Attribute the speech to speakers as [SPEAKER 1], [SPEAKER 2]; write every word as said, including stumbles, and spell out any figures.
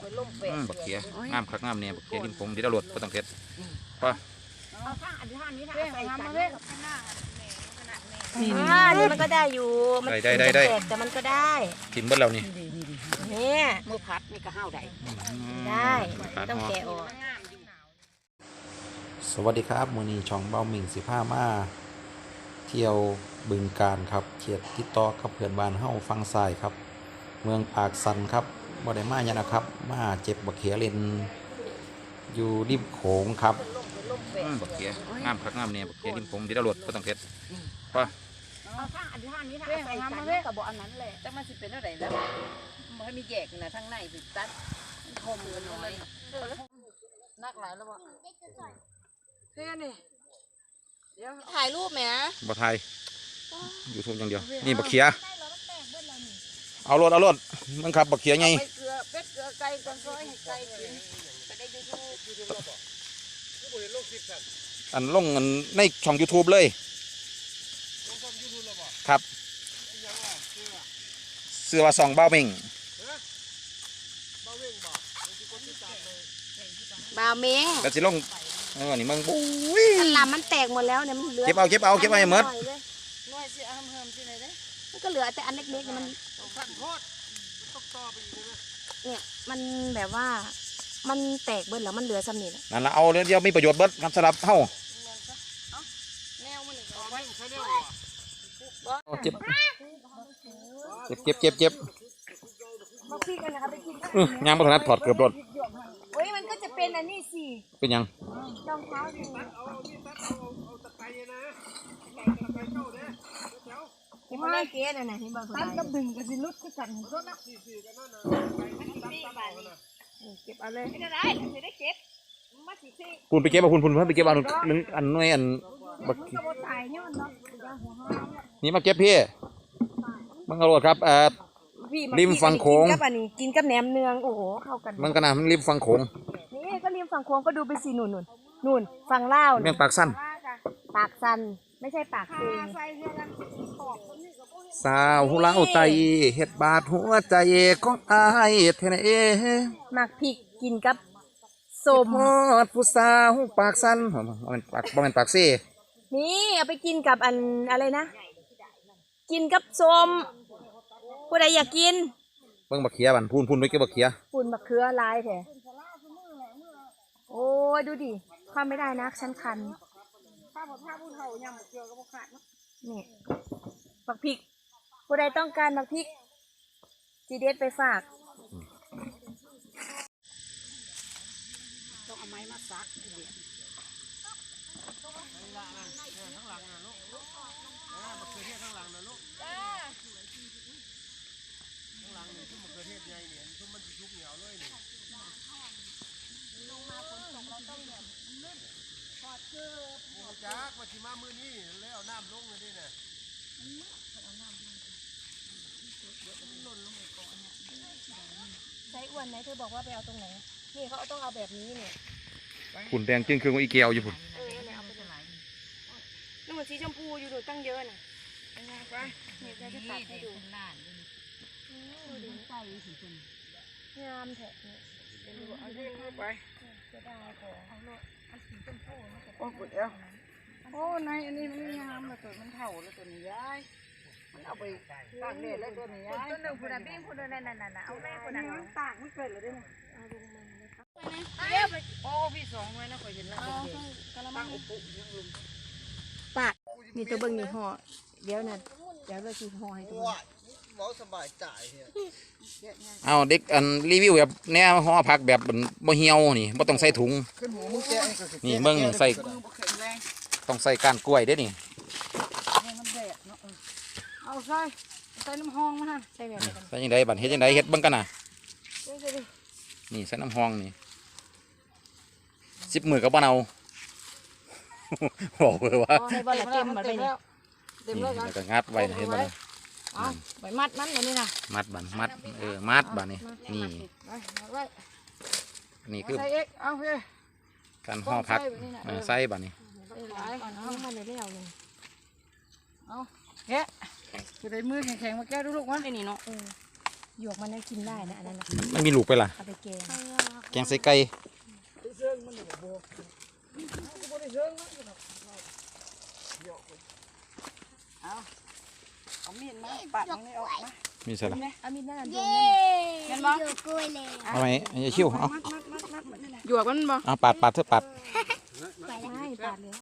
[SPEAKER 1] บักเขียงามคักงามเนี่ยบักเขียริมผมเดี๋ยวเราหลดก็ต้องเพชรป่ะ
[SPEAKER 2] อ่านี่มันก็ได้อยู่มันได้ได้ได้แต่มันก็ได้
[SPEAKER 1] ทิมเบิ้ลเรานี่
[SPEAKER 2] เนี่ยมือพัดนี่ก็ห้าวได้ได้ต้องแกะออก
[SPEAKER 1] สวัสดีครับมื้อนี้ช่องเบาหมิ่งสิบห้ามาเที่ยวบึงกาฬครับเขตติดต่อกับเพื่อนบ้านเฮาฟังทรายครับเมืองปากสันครับบ่ได้มาเนี่ยนะครับมาเจ็บบักเขียเล่นอยู่ริมโขงครับบักเขียงามคักงามเนี่ยบักเขียริมผมเดี๋ยวเราหลดก็ต้องเพชรป่ะ
[SPEAKER 2] เอาข้างอันที่ห้านี้ถ้าใส่กันกับบ่อันนั้นแหละแต่มันสิเป็นเท่าไหร่แล้วมันมีแยกนะทั้งในสิตัดคมกันน้อยนักหลายแล้วบ่เท่นี่เดี๋ยวถ่ายรูปไหม
[SPEAKER 1] บ่ถ่ายยูทูบอย่างเดียวนี่บักเขียเอารถเอารถมันขับบักเขียไง
[SPEAKER 2] เกลือเป็ดเกลือไก่กันซอยให้ไก่กินไปได้ยูทูบยูทูบ
[SPEAKER 1] อันลงในช่องยูทูบเลยครับเสื้อว่าสองเบ้าเม่ง
[SPEAKER 2] บาวเม้ง
[SPEAKER 1] แต่สิลงเออนี่มึงบุ้ย
[SPEAKER 2] อันลำมันแตกหมดแล้วเนี่ยมันเหลือ
[SPEAKER 1] เก็บเอาเก็บเอาเก็บเอาให้หมด
[SPEAKER 2] น้อยสิเอาเพิ่มสิไหนเด้มันก็เหลือแต่อันเล็กๆมันเนี่ยมันแบบว่ามันแตกเบิดแล้วมันเหลือซ้ำนี่แหละ
[SPEAKER 1] นั่นละเอาเดี๋ยวมีประโยชน์เบิดครับสำหรับเฮาเจ็บเจ็บเจ็บเจ็บเจ็บยางบนถนัดถอดเกือบรถ
[SPEAKER 2] โอ้ยมันก็จะเป็นอันนี้สิ
[SPEAKER 1] เป็นยัง
[SPEAKER 2] รองเท้าสิที่มันได้เกสน่ะที่บอกตั้งกับดึงกับสิลุดก็สั่นรถนะเก็บเอาเลยไม่ได้ไม่ได้เก็บ
[SPEAKER 1] พูนไปเก็บเอาพูนพูนเพิ่นไปเก็บเอาหนึ่งอันน้อยอันบักนี่มาเก็บพี่มังกรครับเอ่อริมฝั่งโขง
[SPEAKER 2] กับอันนี้กินกับแหนมเนืองโอ้โหเข้ากัน
[SPEAKER 1] มันก็น่ามันริมฝั่งโขง
[SPEAKER 2] นี่ก็ริมฝั่งโขงก็ดูไปสิหนุนหนุนหนุนฝั่งลาว
[SPEAKER 1] เมืองปากสั้น
[SPEAKER 2] ปากสั้นไม่ใช่ปากเอง
[SPEAKER 1] สาวหูลาวไตเห็ดบาดหัวใจของอายเทนเอ
[SPEAKER 2] หมักพริกกินกับส้ม
[SPEAKER 1] ฮอดผู้สาวปากสั้นบ่แม่นปากบ่แม่นปากซี่
[SPEAKER 2] นี่เอาไปกินกับอันอะไรนะกินกับส้มผู้ใดอยากกิน
[SPEAKER 1] เบิ่งบักเขียบันพูนพูนไปเก็บบักเขีย
[SPEAKER 2] พูนบักเขือลายแท้โอ้ยดูดิความไม่ได้นะฉันคันข้าวผ้าผู้เฒ่ายำบักเขือก็บ่ขาดนี่บักพริกผู้ใดต้องการบักพริกจีเด็ดไปฝากต้องเอาไม้มาซักเดี๋ยวข้างหลังนะลูกบักเขือเทศข้างหลังนะลูกข้างหลังนี่ทุ่มบักเขือเทศใหญ่เนี่ยทุ่มมันชุบเหนียวเลยนี่ลงมาฝนตกเราต้องแบบลื่นถอดเสื้อโอ้จ้ามาชิมามือนี่แล้วเอาน้ำลงเลยดิเนี่ยใช้อ้วนไหมเธอบอกว่าไปเอาตรงไหนนี่เขาต้องเอาแบบนี้เนี่ย
[SPEAKER 1] ฝุ่นแดงจึงคืออีเกียวอยู่ฝุ่น
[SPEAKER 2] เออเนี่ยเอาไปจากไหนนี่มันสีชมพูอยู่ดูตั้งเยอะน่ะไปไปนี่จะตัดให้ดูดูดิใส่สีชมพูงามแท้เนี่ยเดี๋ยวดูเอาเรื่องไปจะได้ของเอาโลอันสีชมพูโอ้กุดเอวโอ้ในอันนี้มันงามเลยตัวมันเท่าเลยตัวนี้ย้ายมันเอาไปตากแดดแล้วตัวนี้ย้ายตัวหนึ่งคนละบิ้งคนละนั่นนั่นน่ะเอาแม่คนนั้นตากมันเกิดเลยด้วยนะเอาลงมาเลยครับเดี๋ยวไปโอ้พี่สองไว้นะคอยเห็นแล้วกระมังอุปุยังลุมปากนี่ตัวเบิ้งนี่ห่อเดี๋ยวนั่นเดี๋ยวเราชีห่อให้ตัว
[SPEAKER 3] หมอสบายใจ
[SPEAKER 1] เอาเด็กอันรีวิวแบบแนวห่อผักแบบบ่เหี่ยวนี่บ่ต้องใส่ถุงนี่เบิ่งนี่ใส่ต้องใส่ก้านกล้วยเด้นี่
[SPEAKER 2] เอาใส่ใส่น้ำหองมาฮะใส่แบบ
[SPEAKER 1] ใส่ยังไงบัดเฮ็ดยังไงเฮ็ดเบิ่งกันน่ะนี่ใส่น้ำหองนี่สิบมือกับบ้านเอาบอกเลยว่า
[SPEAKER 2] ใส่บอลเต็มมาไปนี่
[SPEAKER 1] นี่แล้วก็งัดไว้เห็นบ่
[SPEAKER 2] เอาไปมัดมันแบบนี้นะ
[SPEAKER 1] มัดบันมัดเออมัดบันนี่นี่นี่คือการห่อผักใส่บันนี่
[SPEAKER 2] เอามาเลยแล้วเลยเอาแกะจะได้มือแข็งๆมาแก้ดูลูกวะไอ้นี่เนาะหยวกมันน่ากินได้นะอันนั้นนะ
[SPEAKER 1] มันมีลูกไปล่ะ
[SPEAKER 2] เอาไปแกง
[SPEAKER 1] แกงใส่ไก่
[SPEAKER 4] เอามีดมาปัดตรงนี้ออกมา
[SPEAKER 1] มีใส่ละ
[SPEAKER 2] เอามีดนั่น
[SPEAKER 5] เย้
[SPEAKER 2] เห็นบ่
[SPEAKER 5] อยู่กล้วยเลย
[SPEAKER 1] เอาไหมอย่าชิวเอา
[SPEAKER 4] มัดมัดมัดมัดมัดนี่แหละ
[SPEAKER 2] หยวกมันบ่
[SPEAKER 1] เอาปาดปาดเถอะปาด
[SPEAKER 5] ไปแล้ว
[SPEAKER 2] ใช่ปาดเลย